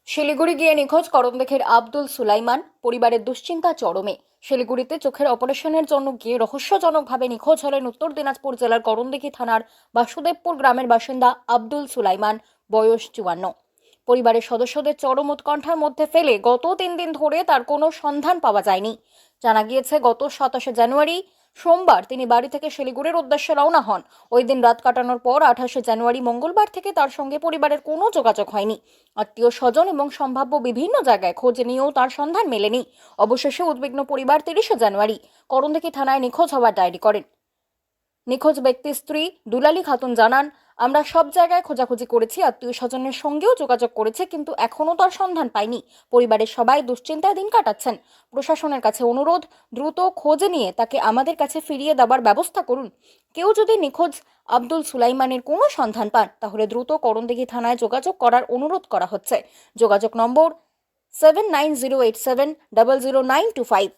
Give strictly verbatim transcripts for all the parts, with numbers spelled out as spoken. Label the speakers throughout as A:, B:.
A: শিলিগুড়ি গিয়ে নিখোঁজ করমদেখের আব্দুল সুলাইমান, পরিবারের দুশ্চিন্তা চরমে। শিলিগুড়িতে চোখের অপারেশনের জন্য গিয়ে রহস্যজনকভাবে নিখোঁজ হলেন উত্তর দিনাজপুর জেলার করমদিঘি থানার বাসুদেবপুর গ্রামের বাসিন্দা আব্দুল সুলাইমান, বয়স চুয়ান্ন। পরিবারের সদস্যদের চরম উৎকণ্ঠার মধ্যে ফেলে গত তিন দিন ধরে তার কোনো সন্ধান পাওয়া যায়নি। জানা গিয়েছে গত সাতাশে জানুয়ারি সোমবার তিনি বাড়ি থেকে শিলিগুড়ির উদ্দেশ্যে রওনা হন। ওই দিন রাত কাটানোর পর আঠাশে জানুয়ারি মঙ্গলবার থেকে তার সঙ্গে পরিবারের কোনো যোগাযোগ হয়নি। আত্মীয় স্বজন এবং সম্ভাব্য বিভিন্ন জায়গায় খোঁজ নিয়েও তার সন্ধান মেলেনি। অবশেষে উদ্বিগ্ন পরিবার তিরিশে জানুয়ারি করণদিঘি থানায় নিখোঁজ হওয়ার ডায়েরি করেন। নিখোঁজ ব্যক্তির স্ত্রী দুলালী খাতুন জানান, আমরা সব জায়গায় খোঁজাখুঁজি করেছি, আত্মীয় স্বজনের সঙ্গেও যোগাযোগ করেছে, কিন্তু এখনও তার সন্ধান পাইনি। পরিবারের সবাই দুশ্চিন্তায় দিন কাটাচ্ছেন। প্রশাসনের কাছে অনুরোধ, দ্রুত খোঁজ নিয়ে তাকে আমাদের কাছে ফিরিয়ে দেওয়ার ব্যবস্থা করুন। কেউ যদি নিখোঁজ আব্দুল সুলাইমানের কোনো সন্ধান পান তাহলে দ্রুত করণদিঘি থানায় যোগাযোগ করার অনুরোধ করা হচ্ছে। যোগাযোগ নম্বর seven nine zero eight seven double zero nine two five.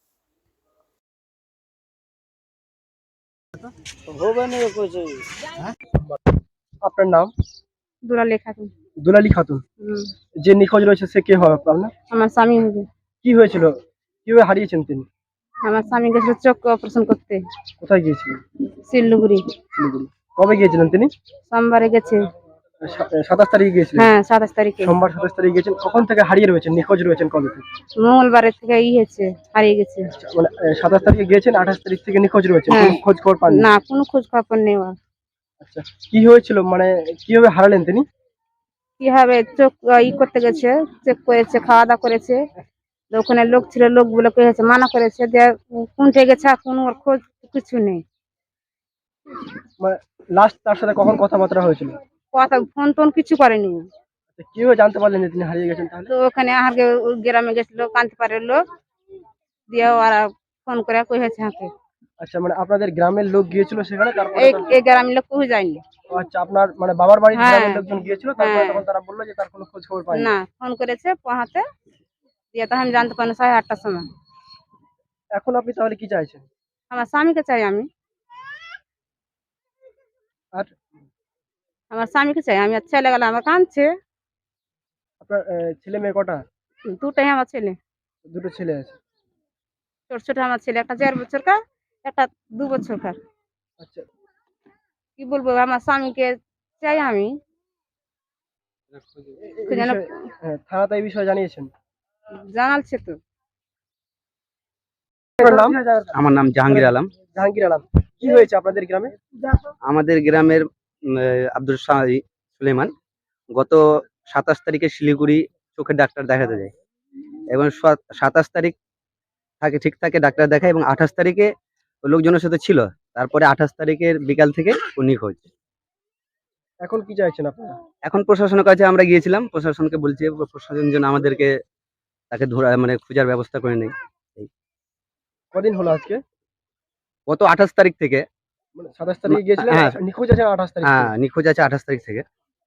B: আপনার নাম?
C: দুলালী খাতুন।
B: দুলালী খাতুন।
C: হুম,
B: যে নিখোঁজ রয়েছে সে কে হবে আপনার?
C: আমার স্বামী হবে।
B: কি হয়েছিল? কিভাবে হারিয়েছেন তিনি?
C: আমার স্বামী গেছিল চোখ অপারেশন করতে
B: কোথায় গিয়েছিলেন?
C: শিলিগুড়ি।
B: শিলিগুড়ি। কবে গিয়েছিলেন তিনি?
C: সোমবারে গেছে।
B: সাতাশ তারিখে গিয়েছিলেন?
C: হ্যাঁ, সাতাশ তারিখে।
B: সোমবার সাতাশ তারিখে গিয়েছেন। কখন থেকে হারিয়ে রয়েছেন, নিখোঁজ রয়েছেন কবে থেকে?
C: মঙ্গলবারের থেকে ই হয়েছে, হারিয়ে গেছে।
B: আচ্ছা, মানে সাতাশ তারিখে গিয়েছেন, আঠাশ তারিখ থেকে নিখোঁজ রয়েছেন,
C: হ্যাঁ।
B: কোনো খোঁজ খবর পাননি?
C: না, কোনো খোঁজ খবর নেই ওর।
B: আচ্ছা, কি হয়েছিল, মানে কিভাবে হারালেন তিনি?
C: কিভাবে চোখ ই করতে গেছে, চেক করেছে, খাওয়া দাওয়া করেছে। তো ওখানে লোক ছিল, লোকগুলো হয়েছে মানা করেছে, দিয়ে কোনটে গেছে, কোনো ওর খোঁজ কিছু নেই।
B: মানে লাস্ট তার সাথে কখন কথাবার্তা হয়েছিল?
C: কথা ফোন টোন কিছু করেনি।
B: আচ্ছা, কিভাবে জানতে পারলেন যে তিনি হারিয়ে গেছেন তাহলে?
C: তো ওখানে আগে গ্রামে গেছিল কান্তিপাড়ের লোক, দিয়ে ওরা ফোন করে কয়েছে হাঁকে।
B: আচ্ছা, মানে আপনাদের গ্রামের লোক গিয়েছিল সেখানে, তারপরে
C: এই
B: তো-
C: এই গ্রামের লোক কেউ যায়নি।
B: ও আচ্ছা, আপনার মানে বাবার বাড়ির
C: হ্যাঁ,
B: গ্রামের লোকজন গিয়েছিল, তারপরে
C: হ্যাঁ।
B: তখন তারা বললো যে তার কোনো খোঁজ খবর পায়নি।
C: না, ফোন করেছে পোহাতে, দিয়ে তো আমি জানতে পারিনি সাড়ে আটটার সময়।
B: এখন আপনি তাহলে কি চাইছেন?
C: আমার স্বামীকে চাই আমি,
B: আর
C: আমার স্বামীকে চাই আমি। আর ছেলে গেলে আমার কাঁদছে।
B: আপনার আহ, ছেলে মেয়ে কটা?
C: দুটাই আমার ছেলে,
B: দুটো ছেলে আছে।
C: ছোট ছোট আমার ছেলে, একটা দেড় বছরকার, একটা দু বছরকার।
B: আচ্ছা,
C: কি বলবো, আমার স্বামীকে চাই আমি।
B: এ- এই
C: কি যেন
B: বিষয়ে হ্যাঁ, থানাতে এই বিষয়ে জানিয়েছেন?
C: জানালছে তো।
B: আপনার নাম?
D: আমার নাম জাহাঙ্গীর আলম।
B: জাহাঙ্গীর আলম। কি হয়েছে আপনাদের গ্রামে?
D: আমাদের গ্রামের উম, আহ, আব্দুল সাহি সুলেমান গত সাতাশ তারিখে শিলিগুড়ি চোখের ডাক্তার দেখাতে যায় এবং সাত- সাতাশ তারিখ থাকে ঠিক থাকে ডাক্তার দেখায় এবং আঠাশ তারিখে ওই লোকজনের সাথে ছিল। তারপরে আঠাশ তারিখের বিকাল থেকে ও নিখোঁজ।
B: এখন কি চাইছেন আপনারা?
D: এখন প্রশাসনের কাছে আমরা গিয়েছিলাম, প্রশাসনকে বলছি প্রশাসন যেন আমাদেরকে তাকে ধরা মানে খোঁজার ব্যবস্থা করে নেই। এই
B: কদিন হলো আজকে?
D: গত আঠাশ তারিখ থেকে।
B: মানে সাতাশ তারিখে গিয়েছিলেন,
D: হ্যাঁ।
B: নিখোঁজ আছেন আঠাশ তারিখ
D: হ্যাঁ,
B: থেকে।
D: নিখোঁজ আছে আঠাশ তারিখ থেকে।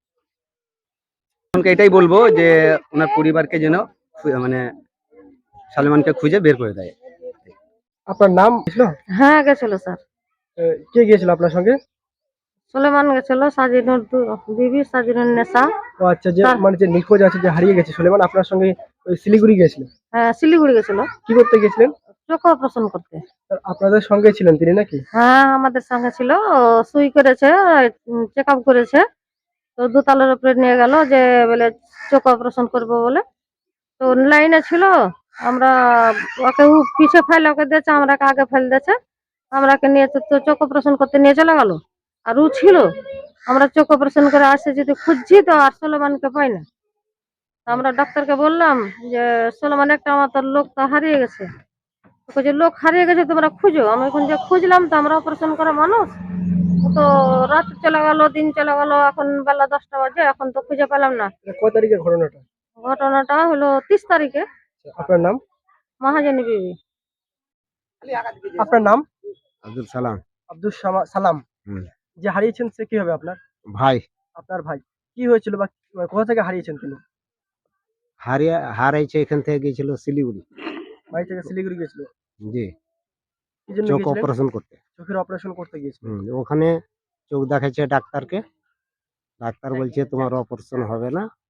D: আমাকে এটাই বলবো যে ওনার পরিবারকে যেন খু- মানে সালমানকে খুঁজে বের করে দেয়।
B: আপনার নাম ছিল?
C: হ্যাঁ, গেছিল স্যার।
B: আহ, কে গিয়েছিল আপনার সঙ্গে?
C: সুলেমান গেছিল, সাজিনুর বিবি, সাজিনুর নেশা।
B: ও আচ্ছা, যে
C: তার-
B: মানে যে নিখোঁজ আছে, যে হারিয়ে গেছে সুলেমান, আপনার সঙ্গে ওই শিলিগুড়ি গিয়েছিল?
C: হ্যাঁ, শিলিগুড়ি গেছিল
B: কি করতে গেছিলেন?
C: চোখ অপারেশন করতে।
B: আর আপনাদের সঙ্গে ছিলেন তিনি নাকি?
C: হ্যাঁ, আমাদের সঙ্গে ছিল। ও সুই করেছে, চেক আপ করেছে। তো দোতলার উপরে নিয়ে গেল যে বলে চোখ অপারেশন করবো বলে। তো লাইনে ছিল, আমরা ওকে উ পিছে ফেলে ওকে দিয়েছে, আমরাকে আগে ফেলে দিয়েছে। আমরাকে নিয়ে তো তো চোখ অপারেশন করতে নিয়ে চলে গেল। আর ও ছিল, আমরা চোখ অপারেশন করে আসে যদি খুঁজছি তো আর সোলেমানকে পাই না। তো আমরা ডাক্তারকে বললাম যে সোলেমান একটা আমার তোর লোক তো হারিয়ে গেছে। তো যে লোক হারিয়ে গেছে তোমরা খুঁজো। আমি এখন যে খুঁজলাম তো আমরা অপারেশন করা মানুষ, ও তো রাত চলে গেল, দিন চলে গেল, এখন বেলা দশটা বাজে, এখন তো খুঁজে পেলাম না।
B: এটা কয় তারিখের ঘটনাটা?
C: ঘটনাটা হলো তিরিশ তারিখে।
B: আপনার নাম?
C: মহাজনী বিবি।
B: আপনার নাম?
D: আব্দুল সালাম।
B: আব্দুল সামা- সালাম।
D: হুম।
B: যে হারিয়েছেন সে কি হবে আপনার?
D: ভাই
B: আপনার ভাই। কি হয়েছিল বা কোথা থেকে হারিয়েছেন তিনি?
D: হারিয়ে হারাইছে, এখান থেকে গিয়েছিল শিলিগুড়ি।
B: বাড়ি থেকে শিলিগুড়ি গেছিল?
D: জি,
B: কি জন্য
D: চোখ
B: গেছিলেন?
D: অপারেশন করতে।
B: চোখের অপারেশন করতে গিয়েছিলেন?
D: হুম, ওখানে চোখ দেখাচ্ছে ডাক্তারকে। ডাক্তার বলছে তোমার অপারেশন হবে না,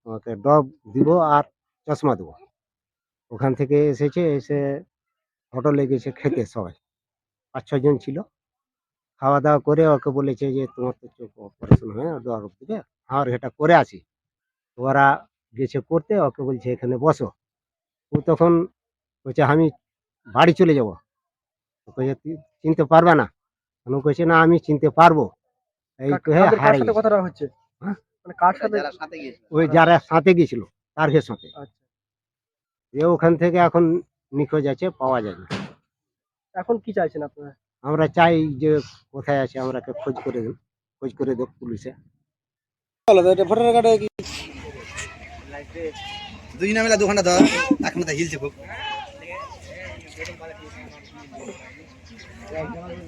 E: ওকে ডব দিব আর চশমা দেবো। ওখান থেকে এসেছে, এসে হোটেলে গেছে খেতে সবাই, পাঁচ ছজন ছিল। খাওয়া দাওয়া করে ওকে বলেছে যে তোমার তো চোখ অপারেশন হয়ে ডব দিবে, আর এটা করে আছি। ওরা গেছে করতে, ওকে বলছে এখানে বসো। ও তখন বলছে আমি বাড়ি চলে যাবো। ও কইছে তুই চিনতে পারবে না? ও কইছে না আমি চিনতে পারবো। এই
B: কা-
E: কহে
B: কাদের কার
E: হারাই
B: সাথে
E: গেছে।
B: কথাটা হচ্ছে?
E: হ্যাঁ?
B: মানে কার সাথে?
E: ওই যারা সাথে গেছিল তার সাথে।
B: আচ্ছা,
E: এ ওখান থেকে এখন নিখোঁজ আছে, পাওয়া যায় না।
B: এখন কি চাইছেন আপনারা?
E: আমরা চাই যে কোথায় আছে আমরাকে খোঁজ করে দিন, খোঁজ করে দেব পুলিশে।
D: ভোটার কার্ডে কি দুই নামে দু ঘন্টা ধর এখন হিলছে খুব